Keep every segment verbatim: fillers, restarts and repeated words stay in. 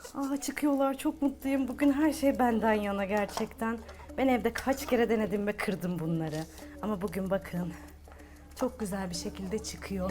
Aa, çıkıyorlar, çok mutluyum. Bugün her şey benden yana gerçekten. Ben evde kaç kere denedim ve kırdım bunları. Ama bugün bakın, çok güzel bir şekilde çıkıyor.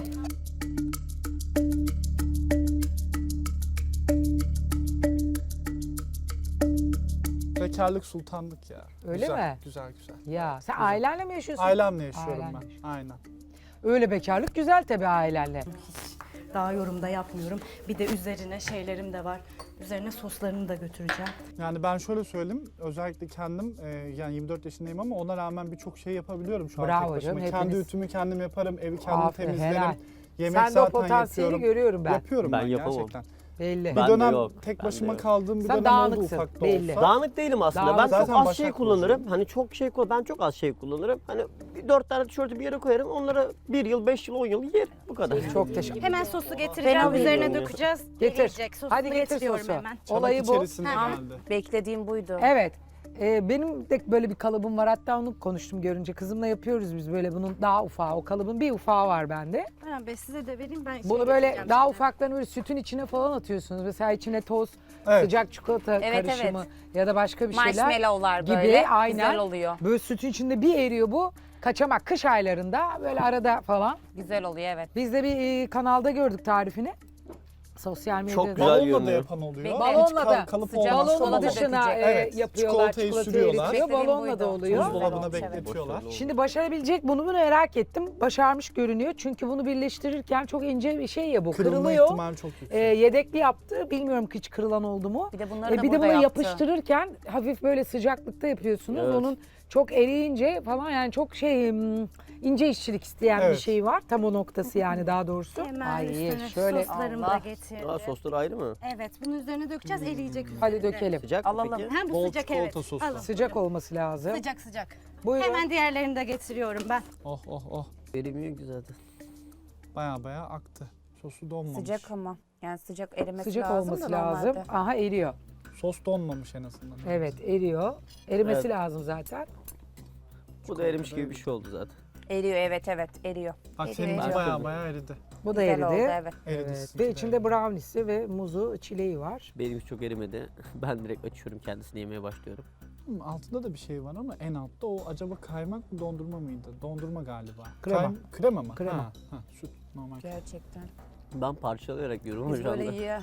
Bekarlık sultanlık ya. Öyle güzel, mi? Güzel güzel. Ya sen ailenle mi yaşıyorsun? Ailemle yaşıyorum Ailenle ben. yaşıyorsun. Aynen. Öyle bekarlık güzel tabii ailenle. Daha yorumda yapmıyorum. Bir de üzerine şeylerim de var. Üzerine soslarını da götüreceğim. Yani ben şöyle söyleyeyim, özellikle kendim e, yani yirmi dört yaşındayım ama ona rağmen birçok şey yapabiliyorum şu an Bravo tek başıma. canım, Kendi hepiniz. ütümü kendim yaparım, evi kendim Aferin, temizlerim. helal. Yemek Sen de o zaten potansiyeli yapıyorum. görüyorum ben. Yapıyorum ben, Ben yapamam. gerçekten. Belli. Bir Ben de dönem yok, tek ben de başıma yok. kaldığım bir Sen dönem oldu dağınıksın, ufak da belli. olsa. Dağınık değilim aslında. Dağınık. Ben çok Zaten az Başak şey Burcu'yum. kullanırım. Hani çok şey kullan. Ben çok az şey kullanırım. Hani bir dört tane tişörtü bir yere koyarım. Onlara bir yıl, beş yıl, on yıl yer. Bu kadar. Çok teşekkür Hemen sosu getireceğim, alayım üzerine yani. dökeceğiz. Getir. Eriyecek. Sosunu Hadi getir getiriyorum sosu. hemen. Çanak Olayı bu. içerisinde Ha. geldi. Beklediğim buydu. Evet. Ee, benim de böyle bir kalıbım var. Hatta onu konuştum görünce. Kızımla yapıyoruz biz böyle bunun daha ufağı. O kalıbın bir ufağı var bende. Baran Bey size de vereyim, ben Bunu şey böyle getireceğim daha şimdi. ufaklarını böyle sütün içine falan atıyorsunuz. Mesela içine toz, Evet. sıcak çikolata Evet, karışımı evet. ya da başka bir şeyler. Marshmallowlar gibi, böyle aynen. güzel oluyor. Böyle sütün içinde bir eriyor bu. Kaçamak kış aylarında böyle arada falan. Güzel oluyor evet. Biz de bir e, kanalda gördük tarifini. Sosyal medyada. Çok güzel Balonla da görünüyor. yapan oluyor. Bekle. Hiç Balonla kal- da kalıp sıcak olmazsa Balonun balon. dışına dışına e, Evet, yapıyorlar, çikolatayı çikolatayı sürüyorlar. eritiyor. Beklediğim Balonla buydu. da oluyor. Buzdolabına Güzel olmuş, bekletiyorlar. Şimdi başarabilecek bunu mu merak ettim. Başarmış görünüyor. Çünkü bunu birleştirirken çok ince bir şey ya bu. Kırılma Kırılıyor. ihtimali çok yüksek. E, yedekli yaptı. Bilmiyorum hiç kırılan oldu mu? Bir de bunları E, da bir de burada bunu yaptı. yapıştırırken hafif böyle sıcaklıkta yapıyorsunuz. Evet. Onun çok eriyince falan yani çok şey hmm, ince işçilik isteyen bir Evet. şey var. Tam o noktası yani daha doğrusu. Hemen Ay üstüne şöyle soslarımı Allah. da getirdim. Aa, sosları ayrı mı? Evet, bunu üzerine dökeceğiz, eriyecek üzerinde. hadi dökelim. Sıcak mı Alalım. peki? Hem bu Bol sıcak, çikolata evet. sosu. Alın. Sıcak olması lazım. Sıcak sıcak. Buyurun. Hemen diğerlerini de getiriyorum ben. Oh oh oh. Veremiyor ki zaten. Baya baya aktı. Sosu donmamış. Sıcak ama. Yani sıcak erimesi Sıcak lazım olması da lazım. normalde. Aha eriyor. Sos donmamış en azından. Evet eriyor. Erimesi Evet. lazım zaten. Bu da erimiş gibi bir şey oldu zaten. Eriyor evet evet eriyor. Bak Eriyor, seninki eriyor. baya baya eridi. Bu da Güzel eridi. oldu evet. Eridi. Evet. sizinki Ve de içinde eridi. brownie'si ve muzu, çileği var. Benim çok erimedi. Ben direkt açıyorum, kendisini yemeye başlıyorum. Hmm, altında da bir şey var ama en altta o acaba kaymak mı dondurma mıydı? Dondurma galiba. Krema. Kay- krema mı? Krema. Ha, ha, süt normal. Gerçekten. Ben parçalayarak yiyorum Biz şu anda. böyle yiyor.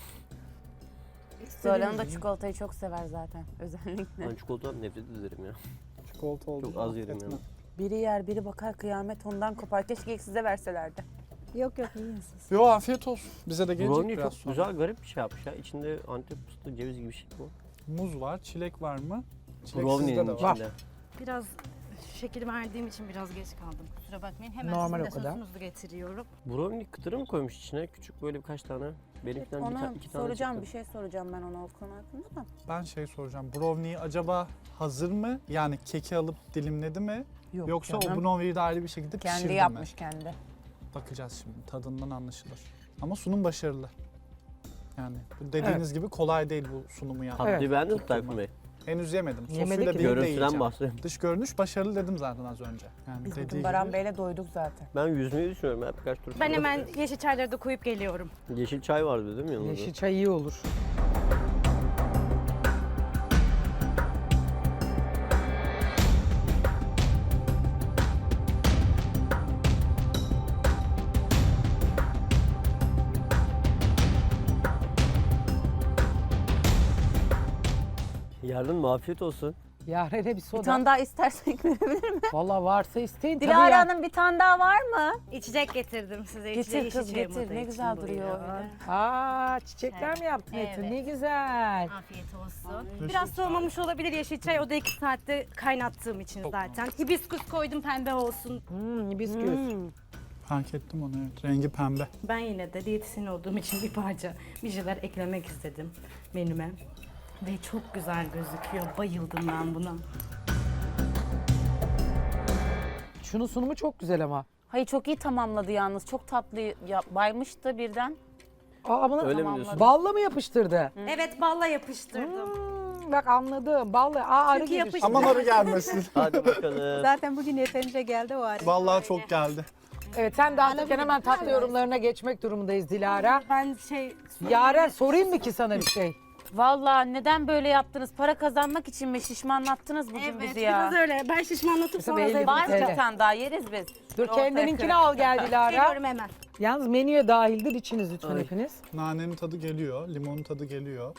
Zuhal Hanım da çikolatayı çok sever zaten özellikle. Ben çikolatadan nefret ederim ya. Çikolata oldu. Çok az yerim etme. yani. Biri yer biri bakar kıyamet ondan kopar. Keşke ilk size verselerdi. Yok yok, yiyin siz. Yo afiyet olsun. Bize de gelecek Brownie biraz çok sonra. güzel, garip bir şey yapmış ya. İçinde antep fıstığı, ceviz gibi bir şey bu. Muz var, çilek var mı? Çilek sizde Brownie'nin de var. içinde. Biraz şekil verdiğim için biraz geç kaldım. Kusura bakmayın. Hemen Normal sizin de o kadar. sosunuzu getiriyorum. Brownie kıtırı mı koymuş içine? Küçük böyle birkaç tane. Benimkinden bir Ona ta- iki tane soracağım çıktı. bir şey soracağım ben ona o konu hakkında da. Ben şey soracağım. Brownie'yi acaba hazır mı? Yani keki alıp dilimledi mi? Yok Yoksa canım. o brownie'yi de ayrı bir şekilde pişirdi Kendi mi? yapmış kendi. Bakacağız şimdi. Tadından anlaşılır. Ama sunum başarılı. Yani bu dediğiniz gibi kolay değil bu sunumu yapmak. Tatlıyı Evet. beğendin mi Tayfun Bey? Henüz yemedim. Yemedik Sosuyla ki. birlikte Görüntüden yiyeceğim. bahsediyorum. Dış görünüş başarılı dedim zaten az önce. Yani Biz dediği bugün gibi. Baran Bey'le doyduk zaten. Ben yüzmeyi düşünüyorum ya birkaç tur. Ben sonra. hemen yeşil çayları da koyup geliyorum. Yeşil çay vardı değil mi yanında? Yeşil çay iyi olur. Yarın afiyet olsun. Yaren'e bir Bir soda. tane daha istersek verebilir mi? Valla varsa isteyin. Tabii Dilara ya. Hanım bir tane daha var mı? İçecek getirdim size. Getir İçecek, kız, yeşil çayımı getir. da Ne için güzel duruyor buyurun. öyle. Aa çiçekler mi yaptın Evet. Etin? Ne güzel. Afiyet olsun. Biraz soğumamış olabilir yeşil çay. O da iki saatte kaynattığım için zaten. Hibiskus koydum, pembe olsun. Hmm, hibiskus. Fark ettim onu evet. Rengi pembe. Ben yine de diyetisyen olduğum için bir parça bir şeyler eklemek istedim menüme. Ve çok güzel gözüküyor. Bayıldım ben buna. Şunun sunumu çok güzel ama. Hayır çok iyi tamamladı yalnız. Çok tatlı ya, baymıştı birden. Aa bunu Öyle mi Tamamladı. diyorsun? balla mı yapıştırdı? Evet, balla yapıştırdım. Hmm, bak anladım. Balla. Aa arı Çünkü gelir. yapıştı. Aman arı gelmesin. Hadi bakalım. Zaten bugün yeterince geldi o arı. Vallahi çok geldi. Evet sen dağıtırken hemen tatlı yorumlarına geçmek durumundayız Dilara. Ben şey... Yaren sorayım mı ki sana bir şey? Vallahi neden böyle yaptınız? Para kazanmak için mi şişmanlattınız bugün Evet, bizi ya? biraz öyle. Ben şişmanlatıp Mesela sonra elli zayıf Var mı Evet. bir tane daha yeriz biz? Dur Ortaya kendininkini kırık. al gel Dilara. Geliyorum hemen. Yalnız menüye dahildir içiniz lütfen Ay. hepiniz. Nanenin tadı geliyor, limonun tadı geliyor.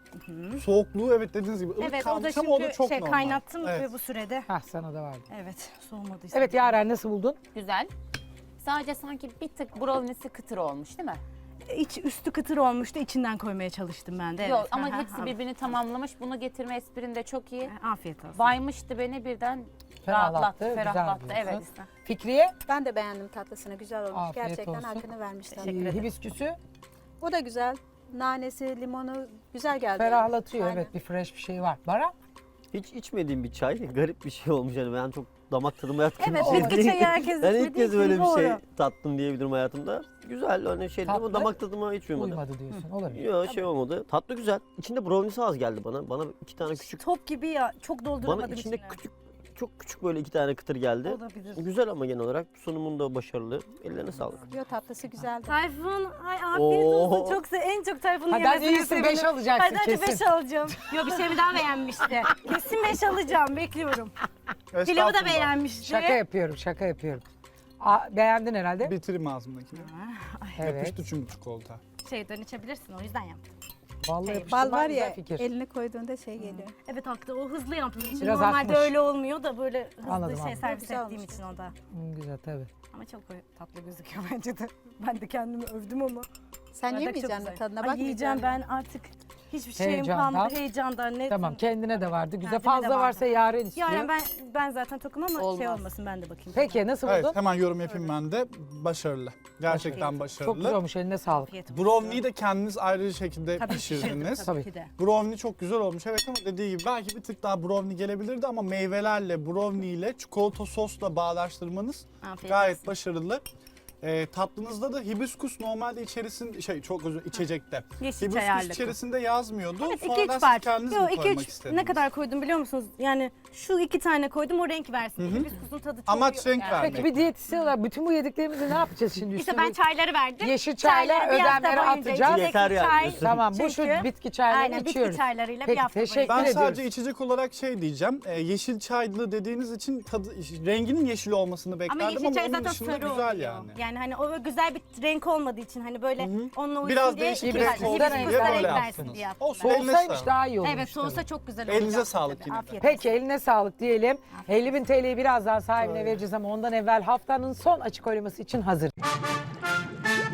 Soğukluğu evet dediğiniz gibi ılık Evet, o da kalmış çünkü ama o da çok şey, normal. kaynattım Evet. ve bu sürede. Hah sana da vardı. Evet, soğumadıysa. Evet Yaren nasıl buldun? Güzel. Sadece sanki bir tık brownie'si kıtır olmuş değil mi? İç, üstü kıtır olmuştu, içinden koymaya çalıştım ben de. Yok evet. ama Aha, hepsi aha. birbirini tamamlamış. Bunu getirme esprin de çok iyi. Afiyet olsun. Baymıştı beni birden Ferahlattı, rahatlattı, güzel ferahlattı. diyorsun. Evet. Fikriye? Ben de beğendim tatlısını. Güzel olmuş. Afiyet Gerçekten olsun. hakkını vermişler. Teşekkür ederim. Hibisküsü O da güzel. Nanesi, limonu güzel geldi. ferahlatıyor. Aynen. Evet bir fresh bir şey var. Bara? Hiç içmediğim bir çay. Garip bir şey olmuş yani ben çok damak tadıma yatkın Evet, bir şey bitki değil. çayı herkes Ben içmediği ilk kez için böyle bir şey doğru. tattım diyebilirim hayatımda. Güzel hani şey ama Tatlı. damak tadıma hiç uymadı. Uymadı diyorsun. Olabilir. Yok şey olmadı. Tatlı güzel. İçinde brownie'si az geldi bana. Bana iki tane küçük. Top gibi ya, çok dolduramadım Bana içinde içine. küçük çok küçük böyle iki tane kıtır geldi. Olabilir. Güzel ama genel olarak sunumun da başarılı. Ellerine sağlık. Yo tatlısı güzeldi. Tayfun, ay afiyet olsun. Oo. Çok se en çok Tayfun'un Hadi hadi yemesini iyisin sevindim. beş alacaksın Hadi hadi kesin. beş alacağım. Yok bir şeyimi daha beğenmişti. Kesin beş alacağım, bekliyorum. Pilavı da Estağfurullah. beğenmişti. Şaka yapıyorum şaka yapıyorum. Aa, beğendin herhalde. Bitireyim ağzımdakini. Evet. Yapıştı çünkü çikolata. Şeyden içebilirsin, o yüzden yaptım. Vallahi Şey, yapıştırma Bal var güzel ya fikir. elini koyduğunda şey geliyor. Evet haklı, o hızlı yaptım. Şimdi Biraz normalde akmış. öyle olmuyor da böyle hızlı Anladım, şey anladım. servis Güzel ettiğim olmuş. için o da. Hı, güzel tabii. Ama çok tatlı gözüküyor bence de. Ben de kendimi övdüm ama. Sen Bardak çok yemeyeceksin güzel. mi tadına Ay, bak. yiyeceğim ben artık. Hiçbir şeyim Heyecandan. kalmadı heyecandan. Ne? Tamam kendine de vardı. Güzel Kendime de fazla vardı. varsa Yaren istiyor. Yani ben ben zaten tokum ama şey Olmaz. olmasın ben de bakayım. Peki nasıl buldun? Evet hemen yorum yapayım ben de. Başarılı. Gerçekten Çok Çok güzel başarılı. olmuş eline sağlık. Afiyet olsun. Brownie'yi de kendiniz ayrı bir şekilde Tabii pişirdiniz. Tabii, Tabii. ki de. Brownie çok güzel olmuş evet ama dediği gibi belki bir tık daha brownie gelebilirdi ama meyvelerle, brownie ile çikolata sosla bağdaştırmanız Afiyet gayet olsun. başarılı. Ee, tatlınızda da hibiskus normalde içerisinde şey çok özür içecekte. Yeşil çay Hibiskus ağırlıklı. içerisinde yazmıyordu. Evet, iki Sonradan üç siz parça. kendiniz Yok mi iki koymak üç istediniz? ne kadar koydum biliyor musunuz? Yani şu iki tane koydum o renk versin. Hibiskusun tadı çok Amaç yok renk yani. vermek. Peki bir diyetisyen olarak bütün bu yediklerimizi ne yapacağız şimdi? İşte Üstüne ben çayları verdim. yeşil çayla Çayları bir hafta ödemleri boyunca atacağız. içecek Yeter yani çay. diyorsun. Tamam bu şu Çünkü- bitki çaylarını Aynen, bitki içiyoruz. çaylarıyla bir Peki hafta teşekkür boyunca. Ben ediyoruz. sadece içecek olarak şey diyeceğim. e, yeşil çaylı dediğiniz için tadı, renginin yeşil olmasını beklerdim Ama ama, yeşil çay onun zaten dışında sarı güzel oluyor. yani. Yani hani o güzel bir renk olmadığı için hani böyle onunla uysun Biraz diye değişik iki renk parça olsun diye hibiskusla böyle renk versin yaptınız. diye yaptım Olsun. ben. Eline Soğusaymış sağlık. daha iyi olmuş. Evet soğusa tabii. çok güzel Elinize olacak sağlık tabii. yine de. Afiyet Peki eline sağlık diyelim. elli bin T L'yi birazdan sahibine vereceğiz ama ondan evvel haftanın son açık oylaması için hazır.